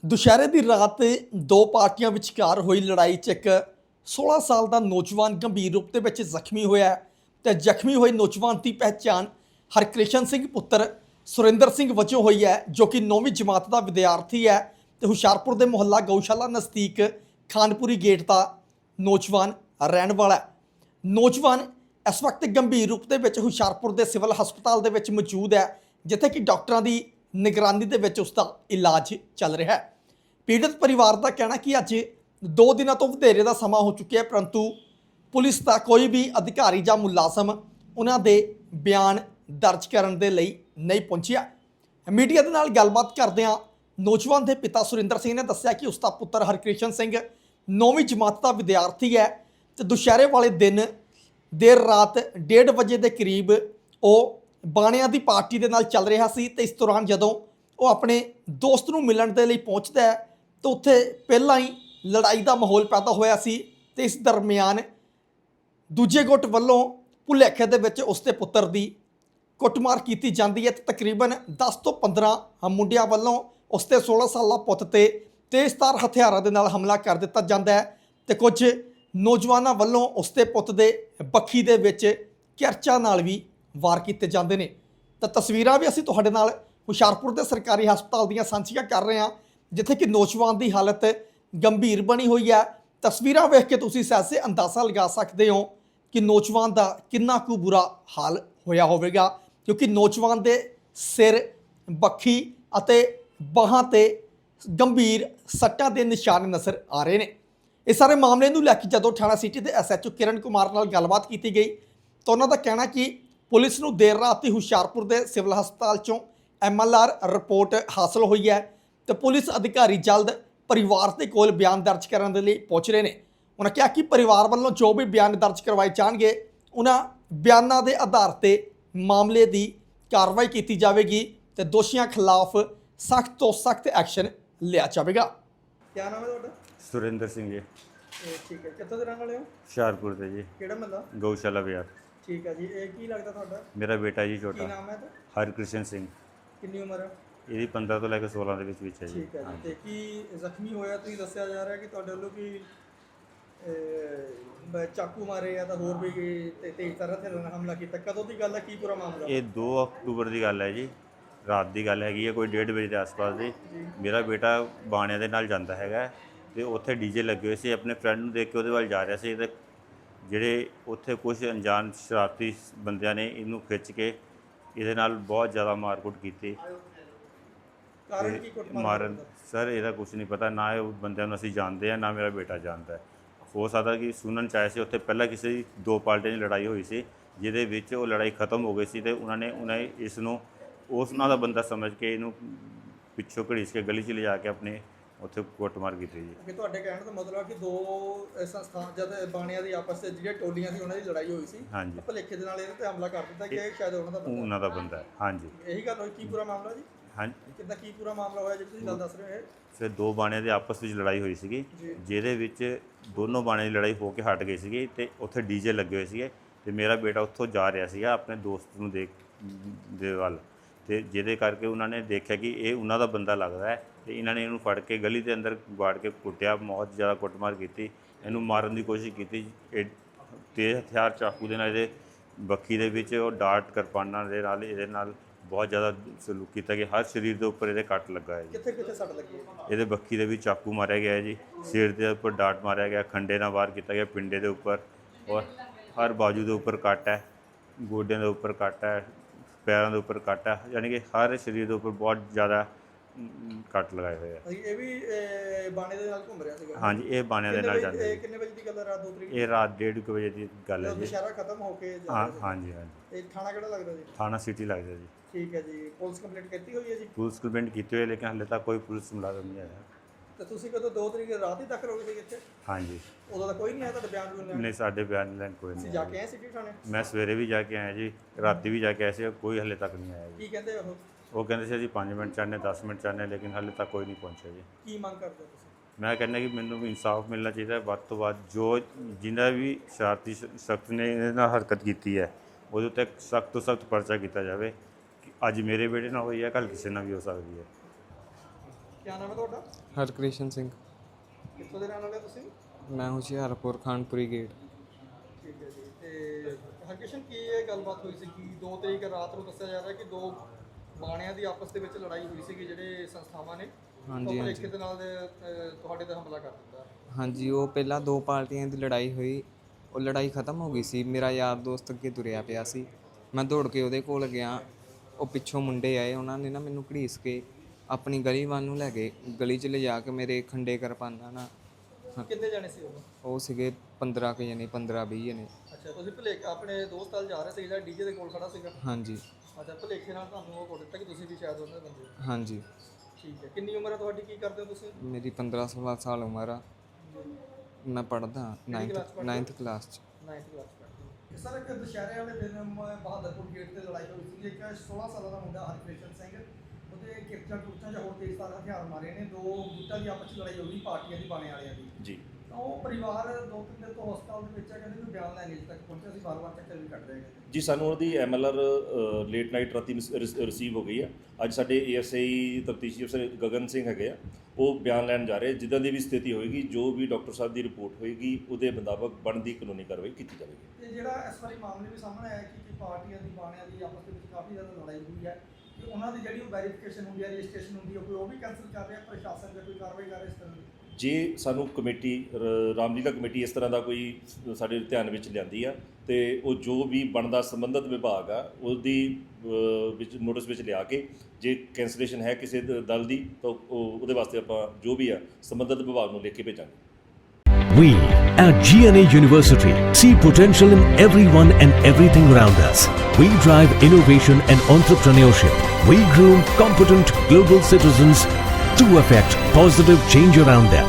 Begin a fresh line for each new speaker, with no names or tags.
ਦੁਸ਼ਹਿਰੇ ਦੀ ਰਾਤ ਦੋ ਪਾਰਟੀਆਂ ਵਿਚਕਾਰ ਹੋਈ ਲੜਾਈ 'ਚ ਇੱਕ 16 ਸਾਲ ਦਾ ਨੌਜਵਾਨ ਗੰਭੀਰ ਰੂਪ ਦੇ ਵਿੱਚ ਜ਼ਖਮੀ ਹੋਇਆ ਹੈ ਤੇ ਜ਼ਖਮੀ ਹੋਏ ਨੌਜਵਾਨ ਦੀ ਪਹਿਚਾਣ ਹਰਕ੍ਰਿਸ਼ਨ ਸਿੰਘ ਪੁੱਤਰ ਸੁਰਿੰਦਰ ਸਿੰਘ ਵਜੋਂ ਹੋਈ ਹੈ, ਜੋ ਕਿ 9ਵੀਂ ਜਮਾਤ ਦਾ ਵਿਦਿਆਰਥੀ ਹੈ ਤੇ ਹੁਸ਼ਿਆਰਪੁਰ ਦੇ ਮੁਹੱਲਾ ਗਊਸ਼ਾਲਾ ਨਜ਼ਦੀਕ ਖਾਨਪੁਰੀ ਗੇਟ ਦਾ ਨੌਜਵਾਨ ਰਹਿਣ ਵਾਲਾ ਹੈ। ਨੌਜਵਾਨ ਇਸ ਵਕਤ ਗੰਭੀਰ ਰੂਪ ਦੇ ਵਿੱਚ ਹੁਸ਼ਿਆਰਪੁਰ ਦੇ ਸਿਵਲ ਹਸਪਤਾਲ ਦੇ ਵਿੱਚ ਮੌਜੂਦ ਹੈ, ਜਿੱਥੇ ਕਿ ਡਾਕਟਰਾਂ ਦੀ ਨਿਗਰਾਨੀ ਦੇ ਵਿੱਚ ਉਸ ਦਾ ਇਲਾਜ ਚੱਲ ਰਿਹਾ ਹੈ। ਪੀੜਤ ਪਰਿਵਾਰ ਦਾ ਕਹਿਣਾ ਕਿ ਅੱਜ 2 ਦਿਨਾਂ ਤੋਂ ਵਧੇਰੇ ਦਾ ਸਮਾਂ ਹੋ ਚੁੱਕਿਆ ਹੈ, ਪਰੰਤੂ ਪੁਲਿਸ ਦਾ ਕੋਈ ਵੀ ਅਧਿਕਾਰੀ ਜਾਂ ਮੁਲਾਜ਼ਮ ਉਹਨਾਂ ਦੇ ਬਿਆਨ ਦਰਜ ਕਰਨ ਦੇ ਲਈ ਨਹੀਂ ਪਹੁੰਚਿਆ। ਮੀਡੀਆ ਦੇ ਨਾਲ ਗੱਲਬਾਤ ਕਰਦਿਆਂ ਨੌਜਵਾਨ ਦੇ ਪਿਤਾ ਸੁਰਿੰਦਰ ਸਿੰਘ ਨੇ ਦੱਸਿਆ ਕਿ ਉਸ ਦਾ ਪੁੱਤਰ ਹਰਕ੍ਰਿਸ਼ਨ ਸਿੰਘ 9ਵੀਂ ਜਮਾਤ ਦਾ ਵਿਦਿਆਰਥੀ ਹੈ ਤੇ ਦੁਸ਼ਹਿਰੇ ਵਾਲੇ ਦਿਨ ਦੇਰ ਰਾਤ 1:30 ਵਜੇ ਦੇ ਕਰੀਬ ਉਹ ਬਾਣਿਆਂ ਦੀ ਪਾਰਟੀ ਦੇ ਨਾਲ ਚੱਲ ਰਿਹਾ ਸੀ ਤੇ ਇਸ ਦੌਰਾਨ ਜਦੋਂ ਉਹ ਆਪਣੇ ਦੋਸਤ ਨੂੰ ਮਿਲਣ ਦੇ ਲਈ ਪਹੁੰਚਦਾ ਹੈ ਤਾਂ ਉੱਥੇ ਪਹਿਲਾਂ ਹੀ ਲੜਾਈ ਦਾ ਮਾਹੌਲ ਪੈਦਾ ਹੋਇਆ ਸੀ ਤੇ ਇਸ ਦਰਮਿਆਨ ਦੂਜੇ ਗੁੱਟ ਵੱਲੋਂ ਭੁਲੇਖੇ ਦੇ ਵਿੱਚ ਉਸ ਦੇ ਪੁੱਤਰ ਦੀ ਕੁੱਟਮਾਰ ਕੀਤੀ ਜਾਂਦੀ ਹੈ ਤੇ ਤਕਰੀਬਨ 10 ਤੋਂ 15 ਮੁੰਡਿਆਂ ਵੱਲੋਂ ਉਸ ਦੇ 16 ਸਾਲਾ ਪੁੱਤ ਤੇ ਤੇਜ਼ਧਾਰ ਹਥਿਆਰਾਂ ਦੇ ਨਾਲ ਹਮਲਾ ਕਰ ਦਿੱਤਾ ਜਾਂਦਾ ਹੈ ਤੇ ਕੁਝ ਨੌਜਵਾਨਾਂ ਵੱਲੋਂ ਉਸ ਦੇ ਪੁੱਤ ਦੇ ਬੱਖੀ ਦੇ ਵਿੱਚ ਕਿਰਚਾਂ ਨਾਲ ਵੀ ਵਾਰ ਕੀਤੇ ਜਾਂਦੇ ਨੇ। ਤਾਂ ਤਸਵੀਰਾਂ ਵੀ ਅਸੀਂ ਤੁਹਾਡੇ ਨਾਲ ਹੁਸ਼ਿਆਰਪੁਰ ਦੇ ਸਰਕਾਰੀ ਹਸਪਤਾਲ ਦੀਆਂ ਸਾਂਝੀਆਂ ਕਰ ਰਹੇ ਹਾਂ, ਜਿੱਥੇ ਕਿ ਨੌਜਵਾਨ ਦੀ ਹਾਲਤ ਗੰਭੀਰ ਬਣੀ ਹੋਈ ਹੈ। ਤਸਵੀਰਾਂ ਵੇਖ ਕੇ ਤੁਸੀਂ ਸਹਿਜੇ ਅੰਦਾਜ਼ਾ ਲਗਾ ਸਕਦੇ ਹੋ ਕਿ ਨੌਜਵਾਨ ਦਾ ਕਿੰਨਾ ਕੁ ਬੁਰਾ ਹਾਲ ਹੋਇਆ ਹੋਵੇਗਾ, ਕਿਉਂਕਿ ਨੌਜਵਾਨ ਦੇ ਸਿਰ, ਬੱਖੀ ਅਤੇ ਬਾਹਾਂ ਤੇ ਗੰਭੀਰ ਸੱਟਾਂ ਦੇ ਨਿਸ਼ਾਨ ਨਜ਼ਰ ਆ ਰਹੇ ਨੇ। ਇਸ ਸਾਰੇ ਮਾਮਲੇ ਨੂੰ ਲੈ ਕੇ ਜਦੋਂ ਥਾਣਾ ਸਿਟੀ ਦੇ SHO ਕਿਰਨ ਕੁਮਾਰ ਨਾਲ ਗੱਲਬਾਤ ਕੀਤੀ ਗਈ ਤਾਂ ਉਹਨਾਂ ਦਾ ਕਹਿਣਾ ਕਿ ਪੁਲਿਸ ਨੂੰ ਦੇਰ ਰਾਤ ਹੀ ਹੁਸ਼ਿਆਰਪੁਰ ਦੇ ਸਿਵਲ ਹਸਪਤਾਲ ਚੋਂ MLR ਰਿਪੋਰਟ ਹਾਸਲ ਹੋਈ ਹੈ ਤੇ ਪੁਲਿਸ ਅਧਿਕਾਰੀ ਜਲਦ ਪਰਿਵਾਰ ਦੇ ਕੋਲ ਬਿਆਨ ਦਰਜ ਕਰਨ ਦੇ ਲਈ ਪਹੁੰਚ ਰਹੇ ਨੇ। ਉਹਨਾਂ ਕਿਹਾ ਕਿ ਪਰਿਵਾਰ ਵੱਲੋਂ ਜੋ ਵੀ ਬਿਆਨ ਦਰਜ ਕਰਵਾਏ ਜਾਣਗੇ, ਉਹਨਾਂ ਬਿਆਨਾਂ ਦੇ ਆਧਾਰ ਤੇ ਮਾਮਲੇ ਦੀ ਕਾਰਵਾਈ ਕੀਤੀ ਜਾਵੇਗੀ ਤੇ ਦੋਸ਼ੀਆਂ ਖਿਲਾਫ ਸਖਤ ਤੋਂ ਸਖਤ ਐਕਸ਼ਨ ਲਿਆ ਜਾਵੇਗਾ। ਕੀ ਨਾਮ ਹੈ ਤੁਹਾਡਾ?
ਸੁਰਿੰਦਰ ਸਿੰਘ ਜੀ।
ਠੀਕ ਹੈ, ਕਿੱਥੋਂ ਦੇ ਰਹਿਣ ਵਾਲੇ ਹੋ?
ਹੁਸ਼ਿਆਰਪੁਰ ਦੇ ਜੀ।
ਕਿਹੜਾ ਮਹੱਲਾ?
ਗਊਸ਼ਾਲਾ ਬਾਜ਼ਾਰ।
ਠੀਕ ਹੈ ਜੀ। ਇਹ ਕੀ ਲੱਗਦਾ ਤੁਹਾਡਾ?
ਮੇਰਾ ਬੇਟਾ ਜੀ
ਕੀ
ਛੋਟਾ।
ਨਾਮ ਹੈ ਇਹਦਾ?
ਹਰਕ੍ਰਿਸ਼ਨ ਸਿੰਘ।
ਕਿੰਨੀ ਉਮਰ ਹੈ
ਇਹਦੀ 15 ਤੋਂ ਲੈ ਕੇ 16 ਦੇ ਵਿੱਚ ਹੈ ਜੀ।
ਠੀਕ ਹੈ ਜੀ। ਤੇ ਕੀ ਜ਼ਖਮੀ ਹੋਇਆ? ਤੁਸੀਂ ਦੱਸਿਆ ਜਾ ਰਿਹਾ ਕਿ ਤੁਹਾਡੇ ਵੱਲੋਂ ਕਿ ਚਾਕੂ ਮਾਰੇ ਆ ਤਾਂ ਹੋਰ ਵੀ ਤੇਜ਼ ਤਰ੍ਹਾਂ ਤੇ ਹਮਲਾ ਕੀਤਾ। ਕਦੋਂ ਦੀ ਗੱਲ ਹੈ? ਕੀ ਪੂਰਾ ਮਾਮਲਾ?
ਇਹ 2 ਅਕਤੂਬਰ ਦੀ ਗੱਲ ਹੈ ਜੀ। ਰਾਤ ਦੀ ਗੱਲ ਹੈਗੀ ਹੈ, ਕੋਈ 1:30 ਵਜੇ ਦੇ ਆਸ-ਪਾਸ ਦੀ। ਮੇਰਾ ਬੇਟਾ ਬਾਣਿਆਂ ਦੇ ਨਾਲ ਜਾਂਦਾ ਹੈਗਾ ਤੇ ਉੱਥੇ ਡੀਜੇ ਲੱਗੇ ਹੋਏ ਸੀ। ਆਪਣੇ ਫਰੈਂਡ ਨੂੰ ਦੇਖ ਕੇ ਉਹਦੇ ਵੱਲ ਜਾ ਰਿਹਾ ਸੀ ਤੇ ਜਿਹੜੇ ਉੱਥੇ ਕੁਝ ਅਣਜਾਣ ਸ਼ਰਾਰਤੀ ਬੰਦਿਆਂ ਨੇ ਇਹਨੂੰ ਖਿੱਚ ਕੇ ਇਹਦੇ ਨਾਲ ਬਹੁਤ ਜ਼ਿਆਦਾ ਮਾਰਕੁੱਟ ਕੀਤੀ।
ਕਾਰਨ ਕੀ ਕੁੱਟਮਾਰ
ਮਾਰਨ ਸਰ ਇਹਦਾ ਕੁਝ ਨਹੀਂ ਪਤਾ, ਨਾ ਇਹ ਬੰਦਿਆਂ ਨੂੰ ਅਸੀਂ ਜਾਣਦੇ ਆ, ਨਾ ਮੇਰਾ ਬੇਟਾ ਜਾਣਦਾ। ਹੋ ਸਕਦਾ ਕਿ ਸੁਣਨ 'ਚ ਆਇਆ ਸੀ ਉੱਥੇ ਪਹਿਲਾਂ ਕਿਸੇ ਦੀ 2 ਪਾਰਟੀਆਂ ਦੀ ਲੜਾਈ ਹੋਈ ਸੀ, ਜਿਹਦੇ ਵਿੱਚ ਉਹ ਲੜਾਈ ਖਤਮ ਹੋ ਗਈ ਸੀ ਤੇ ਉਹਨਾਂ ਨੇ ਇਸ ਨੂੰ ਉਹਨਾਂ ਦਾ ਬੰਦਾ ਸਮਝ ਕੇ ਇਹਨੂੰ ਪਿੱਛੋਂ ਘੜੀਸ ਕੇ ਗਲੀ 'ਚ ਲਿਜਾ ਕੇ ਆਪਣੇ ਉੱਥੇ ਕੁੱਟਮਾਰ ਕੀਤੀ ਜੀ।
ਕਿ ਤੁਹਾਡੇ ਕਹਿਣ ਦਾ ਮਤਲਬ ਹੈ ਕਿ ਦੋ ਸੰਸਥਾਨ ਜਦ ਬਾਣੀਆਂ ਦੀ ਆਪਸ ਵਿੱਚ ਜਿਹੜੀਆਂ ਟੋਲੀਆਂ ਸੀ ਉਹਨਾਂ ਦੀ ਲੜਾਈ ਹੋਈ ਸੀ,
ਹਾਂਜੀ,
ਭੁਲੇਖੇ ਦੇ ਨਾਲ ਇਹਦੇ ਤੇ ਹਮਲਾ ਕਰ ਦਿੱਤਾ ਕਿ ਸ਼ਾਇਦ ਉਹਨਾਂ ਦਾ
ਬੰਦਾ ਹੈ। ਹਾਂਜੀ,
ਇਹੀ ਗੱਲ ਹੋਈ। ਕੀ ਪੂਰਾ ਮਾਮਲਾ ਜੀ?
ਹਾਂਜੀ,
ਕਿੱਦਾਂ ਕੀ ਪੂਰਾ ਮਾਮਲਾ ਹੋਇਆ ਜਿਹੜੀ ਤੁਸੀਂ ਗੱਲ ਦੱਸ ਰਹੇ ਹੋ?
ਫਿਰ 2 ਬਾਣਿਆਂ ਦੇ ਆਪਸ ਵਿੱਚ ਲੜਾਈ ਹੋਈ ਸੀਗੀ, ਜਿਹਦੇ ਵਿੱਚ ਦੋਨੋਂ ਬਾਣਿਆਂ ਦੀ ਲੜਾਈ ਹੋ ਕੇ ਹਟ ਗਈ ਸੀਗੀ ਤੇ ਉੱਥੇ ਡੀਜੇ ਲੱਗੇ ਹੋਏ ਸੀਗੇ ਤੇ ਮੇਰਾ ਬੇਟਾ ਉੱਥੋਂ ਜਾ ਰਿਹਾ ਸੀਗਾ ਆਪਣੇ ਦੋਸਤ ਨੂੰ ਦੇ ਵੱਲ, ਤੇ ਜਿਹਦੇ ਕਰਕੇ ਉਹਨਾਂ ਨੇ ਦੇਖਿਆ ਕਿ ਇਹ ਉਹਨਾਂ ਦਾ ਬੰਦਾ ਲੱਗਦਾ ਹੈ ਤੇ ਇਹਨਾਂ ਨੇ ਇਹਨੂੰ ਫੜ ਕੇ ਗਲੀ ਦੇ ਅੰਦਰ ਵਾੜ ਕੇ ਕੁੱਟਿਆ, ਬਹੁਤ ਜ਼ਿਆਦਾ ਕੁੱਟਮਾਰ ਕੀਤੀ, ਇਹਨੂੰ ਮਾਰਨ ਦੀ ਕੋਸ਼ਿਸ਼ ਕੀਤੀ। ਇਹ ਤੇਜ਼ ਹਥਿਆਰ ਚਾਕੂ ਦੇ ਨਾਲ ਇਹਦੇ ਬੱਖੀ ਦੇ ਵਿੱਚ, ਉਹ ਡਾਟ ਕਿਰਪਾਨਾਂ ਦੇ ਨਾਲ ਇਹਦੇ ਨਾਲ ਬਹੁਤ ਜ਼ਿਆਦਾ ਸਲੂਕ ਕੀਤਾ ਕਿ ਹਰ ਸਰੀਰ ਦੇ ਉੱਪਰ ਇਹਦੇ ਕੱਟ ਲੱਗਾ ਹੈ ਜੀ।
ਕਿੱਥੇ ਕਿੱਥੇ ਸੱਟ ਲੱਗੀ?
ਇਹਦੇ ਬੱਖੀ ਦੇ ਵਿੱਚ ਚਾਕੂ ਮਾਰਿਆ ਗਿਆ ਹੈ ਜੀ, ਸਿਰ ਦੇ ਉੱਪਰ ਡਾਟ ਮਾਰਿਆ ਗਿਆ, ਖੰਡੇ ਨਾਲ ਵਾਰ ਕੀਤਾ ਗਿਆ ਪਿੰਡੇ ਦੇ ਉੱਪਰ, ਔਰ ਹਰ ਬਾਜੂ ਦੇ ਉੱਪਰ ਕੱਟ ਹੈ, ਗੋਡਿਆਂ ਦੇ ਉੱਪਰ ਕੱਟ ਹੈ, ਪੈਰਾਂ ਦੇ ਉੱਪਰ ਕੱਟ ਹੈ, ਯਾਨੀ ਕਿ ਹਰ ਸਰੀਰ ਦੇ ਉੱਪਰ ਬਹੁਤ ਜ਼ਿਆਦਾ ਕੱਟ ਲਗਾਏ ਹੋਏ ਆ।
ਇਹ ਵੀ ਬਾਣੇ ਦੇ ਨਾਲ ਘੁੰਮ ਰਿਹਾ ਸੀਗਾ? ਹਾਂਜੀ,
ਇਹ ਬਾਣਿਆਂ ਦੇ ਨਾਲ ਜਾਂਦਾ।
ਕਿੰਨੇ ਵਜੇ ਦੀ ਗੱਲ ਹੈ? ਰਾਤ 2 ਤਰੀਕ?
ਇਹ ਰਾਤ 1:30 ਵਜੇ ਦੀ ਗੱਲ ਹੈ ਜੀ।
ਦੁਸ਼ਹਿਰਾ ਖਤਮ ਹੋ ਕੇ
ਹਾਂਜੀ ਹਾਂਜੀ।
ਇਹ ਥਾਣਾ ਕਿਹੜਾ ਲੱਗਦਾ ਜੀ?
ਥਾਣਾ ਸਿਟੀ ਲੱਗਦਾ ਜੀ।
ਠੀਕ ਹੈ ਜੀ। ਪੁਲਿਸ ਕੰਪਲੇਂਟ ਕੀਤੀ ਹੋਈ ਹੈ ਜੀ?
ਪੁਲਿਸ ਕੰਪਲੇਂਟ ਕੀਤੀ ਹੋਈ ਹੈ, ਲੇਕਿਨ ਹਾਲੇ ਤੱਕ ਕੋਈ ਪੁਲਿਸ ਮੁਲਾਜ਼ਮ ਨਹੀਂ ਆਇਆ।
ਤੇ ਤੁਸੀਂ ਕਦੋਂ 2 ਤਰੀਕ ਰਾਤ ਹੀ ਤੱਕ ਰਹੋਗੇ ਇੱਥੇ?
ਹਾਂਜੀ।
ਉਦੋਂ ਤਾਂ ਕੋਈ ਨਹੀਂ ਆਇਆ ਤੁਹਾਡੇ ਬਿਆਨ ਲੈਣ?
ਨਹੀਂ, ਸਾਡੇ ਬਿਆਨ ਲੈਣ ਕੋਈ ਨਹੀਂ।
ਜਾ ਕੇ ਆਏ ਸਿਟੀ ਥਾਣੇ?
ਮੈਂ ਸਵੇਰੇ ਵੀ ਜਾ ਕੇ ਆਇਆ ਜੀ, ਰਾਤੀ ਵੀ ਜਾ ਕੇ ਆਇਆ ਸੀ, ਕੋਈ ਹਾਲੇ ਤੱਕ ਨਹੀਂ ਆਇਆ ਜੀ।
ਕੀ ਕਹਿੰਦੇ
ਉਹ ਕਹਿੰਦੇ ਸੀ ਅਸੀਂ 5 ਮਿੰਟ ਚਾਹੁੰਦੇ, 10 ਮਿੰਟ ਚਾਹੁੰਦੇ, ਲੇਕਿਨ ਹਾਲੇ ਤੱਕ ਕੋਈ ਨਹੀਂ ਪਹੁੰਚਿਆ ਜੀ।
ਕੀ ਮੰਗ ਕਰਦੇ ਹੋ ਤੁਸੀਂ?
ਮੈਂ ਕਹਿੰਦਾ ਕਿ ਮੈਨੂੰ ਵੀ ਇਨਸਾਫ ਮਿਲਣਾ ਚਾਹੀਦਾ, ਵੱਧ ਤੋਂ ਵੱਧ ਜੋ ਜਿਨ੍ਹਾਂ ਵੀ ਸ਼ਰਾਰਤੀ ਸ਼ਖਸ ਨੇ ਇਹਦੇ ਨਾਲ ਹਰਕਤ ਕੀਤੀ ਹੈ ਉਹਦੇ ਉੱਤੇ ਸਖਤ ਤੋਂ ਸਖਤ ਪਰਚਾ ਕੀਤਾ ਜਾਵੇ। ਕਿ ਅੱਜ ਮੇਰੇ ਬੇਟੇ ਨਾਲ ਹੋਈ ਹੈ, ਕੱਲ੍ਹ ਕਿਸੇ ਨਾਲ ਵੀ ਹੋ ਸਕਦੀ ਹੈ।
ਕੀ ਨਾਮ ਹੈ ਤੁਹਾਡਾ?
ਹਰਕ੍ਰਿਸ਼ਨ ਸਿੰਘ।
ਕਿੱਥੋਂ ਦੇ ਰਹਿਣ ਵਾਲੇ ਤੁਸੀਂ?
ਮੈਂ ਹੁਸ਼ਿਆਰਪੁਰ ਖਾਨਪੁਰੀ ਗੇਟ।
ਠੀਕ ਹੈ ਜੀ। ਤੇ ਹਰਕਿਸ਼ਨ, ਕੀ ਇਹ ਗੱਲਬਾਤ ਹੋਈ ਸੀ ਕਿ 2 ਤਰੀਕ ਰਾਤ ਨੂੰ ਦੱਸਿਆ ਜਾ ਰਿਹਾ ਕਿ 2 ਬਾਣਿਆਂ ਦੀ ਆਪਸ ਦੇ ਵਿੱਚ ਲੜਾਈ ਹੋਈ ਸੀਗੀ, ਜਿਹੜੇ ਸੰਸਥਾਵਾਂ ਨੇ
ਹਾਂਜੀ
ਭੁਲੇਖੇ ਦੇ ਨਾਲ ਤੁਹਾਡੇ ਤੇ ਹਮਲਾ ਕਰ ਦਿੱਤਾ।
ਹਾਂਜੀ, ਉਹ ਪਹਿਲਾਂ 2 ਪਾਰਟੀਆਂ ਦੀ ਲੜਾਈ ਹੋਈ, ਉਹ ਲੜਾਈ ਖਤਮ ਹੋ ਗਈ ਸੀ। ਮੇਰਾ ਯਾਰ ਦੋਸਤ ਅੱਗੇ ਤੁਰਿਆ ਪਿਆ ਸੀ, ਮੈਂ ਦੌੜ ਕੇ ਉਹਦੇ ਕੋਲ ਗਿਆ। ਉਹ ਪਿੱਛੋਂ ਮੁੰਡੇ ਆਏ, ਉਹਨਾਂ ਨੇ ਨਾ ਮੈਨੂੰ ਘੜੀਸ ਕੇ ਆਪਣੀ ਗਲੀ ਵੱਲ ਨੂੰ ਲੈ ਗਏ। ਗਲੀ 'ਚ ਲਿਜਾ ਕੇ ਮੇਰੇ ਖੰਡੇ ਕਿਰਪਾਨਾਂ ਨਾਲ।
ਕਿੰਨੇ ਜਾਣੇ ਸੀ
ਉਹ ਸੀਗੇ 15 ਕੁ ਜਣੇ, 15-20 ਜਣੇ।
ਅੱਛਾ, ਤੁਸੀਂ ਭੁਲੇਖੇ ਆਪਣੇ ਦੋਸਤ ਨਾਲ ਜਾ ਰਹੇ ਸੀ ਜਿਹੜਾ ਡੀਜੇ ਦੇ ਕੋਲ ਖੜਾ ਸੀਗਾ?
ਹਾਂਜੀ।
ਅੱਛਾ, ਭੁਲੇਖੇ ਨਾਲ ਤੁਹਾਨੂੰ ਉਹ ਕਰ ਦਿੱਤਾ ਕਿ ਤੁਸੀਂ ਵੀ ਸ਼ਾਇਦ ਉਹਨਾਂ ਦੇ ਬੰਦੇ ਹੋ?
ਹਾਂਜੀ।
ਠੀਕ ਹੈ। ਕਿੰਨੀ ਉਮਰ ਹੈ ਤੁਹਾਡੀ? ਕੀ ਕਰਦੇ ਹੋ ਤੁਸੀਂ?
ਮੇਰੀ 15-16 ਸਾਲ ਉਮਰ ਆ। ਮੈਂ ਪੜ੍ਹਦਾ 9th ਕਲਾਸ 'ਚ।
9th ਕਲਾਸ ਪੜ੍ਹਦੇ ਹੋ। ਸਰ, ਇੱਕ ਦੁਸ਼ਹਿਰੇ ਵਾਲੇ ਦਿਨ ਬਹਾਦਰਪੁਰ ਗੇਟ ਤੇ ਲੜਾਈ ਹੋਈ ਸੀ। ਇੱਕ 16 ਸਾਲਾਂ ਦਾ ਮੁੰਡਾ ਹਰਕ੍ਰਿਸ਼ਨ ਸਿੰਘ, ਉਹਦੇ ਕਿਰਚਾਂ ਕੁਰਚਾਂ ਜਾਂ ਹੋਰ ਤੇਜ਼ਧਾਰ ਹਥਿਆਰ ਮਾਰੇ ਨੇ। 2 ਗੁੱਟਾਂ ਦੀ ਆਪਸ 'ਚ ਲੜਾਈ ਹੋ ਗਈ, ਪਾਰਟੀਆਂ ਦੀ, ਬਾਣੇ ਵਾਲਿਆਂ ਦੀ
ਜੀ।
ਤਾਂ ਉਹ ਪਰਿਵਾਰ 2-3 ਦਿਨ ਤੋਂ ਹਸਪਤਾਲ ਦੇ ਵਿੱਚ ਹੈ, ਕਹਿੰਦੇ ਕੋਈ ਬਿਆਨ ਲੈਣ ਅਜੇ ਤੱਕ ਪਹੁੰਚਿਆ ਸੀ, ਵਾਰ-ਵਾਰ ਚੱਕਰ ਵੀ ਕੱਢ ਰਹੇ ਨੇ।
ਜੀ, ਸਾਨੂੰ ਉਹਦੀ MLR ਲੇਟ ਨਾਈਟ ਰਾਤੀ ਰਿਸੀਵ ਹੋ ਗਈ ਆ। ਅੱਜ ਸਾਡੇ ASI ਤਫਤੀਸ਼ੀ ਅਫਸਰ ਗਗਨ ਸਿੰਘ ਹੈਗੇ ਆ, ਉਹ ਬਿਆਨ ਲੈਣ ਜਾ ਰਹੇ। ਜਿੱਦਾਂ ਦੀ ਵੀ ਸਥਿਤੀ ਹੋਏਗੀ, ਜੋ ਵੀ ਡਾਕਟਰ ਸਾਹਿਬ ਦੀ ਰਿਪੋਰਟ ਹੋਏਗੀ, ਉਹਦੇ ਮੁਤਾਬਕ ਬਣਦੀ ਕਾਨੂੰਨੀ ਕਾਰਵਾਈ ਕੀਤੀ ਜਾਵੇਗੀ।
ਤੇ ਜਿਹੜਾ ਇਸ ਵਾਰੀ ਮਾਮਲੇ ਵੀ ਸਾਹਮਣੇ ਆਇਆ ਕਿ ਪਾਰਟੀਆਂ ਦੀ, ਬਾਣਿਆਂ ਦੀ ਆਪਸ ਦੇ ਵਿੱਚ ਕਾਫੀ ਜ਼ਿਆਦਾ ਲੜਾਈ ਹੋਈ ਹੈ, ਕਿ ਉਹਨਾਂ ਦੀ ਜਿਹੜੀ ਵੈਰੀਫਿਕੇਸ਼ਨ ਹੁੰਦੀ ਹੈ, ਰਜਿਸਟ੍ਰੇਸ਼ਨ ਹੁੰਦੀ ਹੈ, ਕੋਈ ਉਹ ਵੀ ਕੈਂਸਲ ਕਰ ਰਿਹਾ ਪ੍ਰਸ਼ਾਸਨ, ਜਾਂ ਕੋਈ ਕਾਰਵਾਈ ਕਰ ਰਿਹਾ ਇਸ ਤਰ੍ਹਾਂ ਦੀ?
ਜੇ ਸਾਨੂੰ ਕਮੇਟੀ ਰਾਮਲੀਲਾ ਕਮੇਟੀ ਇਸ ਤਰ੍ਹਾਂ ਦਾ ਕੋਈ ਸਾਡੇ ਧਿਆਨ ਵਿੱਚ ਲਿਆਂਦੀ ਆ, ਤੇ ਉਹ ਜੋ ਵੀ ਬਣਦਾ ਸੰਬੰਧਿਤ ਵਿਭਾਗ ਆ ਉਹਦੀ ਵਿੱਚ ਨੋਟਿਸ ਵਿੱਚ ਲਿਆ ਕੇ, ਜੇ ਕੈਂਸਲੇਸ਼ਨ ਹੈ ਕਿਸੇ ਦਲ ਦੀ, ਤਾਂ ਉਹਦੇ ਵਾਸਤੇ ਆਪਾਂ ਜੋ ਵੀ ਆ ਸੰਬੰਧਿਤ ਵਿਭਾਗ ਨੂੰ ਲਿਖ ਕੇ ਭੇਜਾਂਗੇ।
We at GNA University see potential in everyone and everything around us. We drive innovation and entrepreneurship. We groom competent global citizens to affect positive change around them.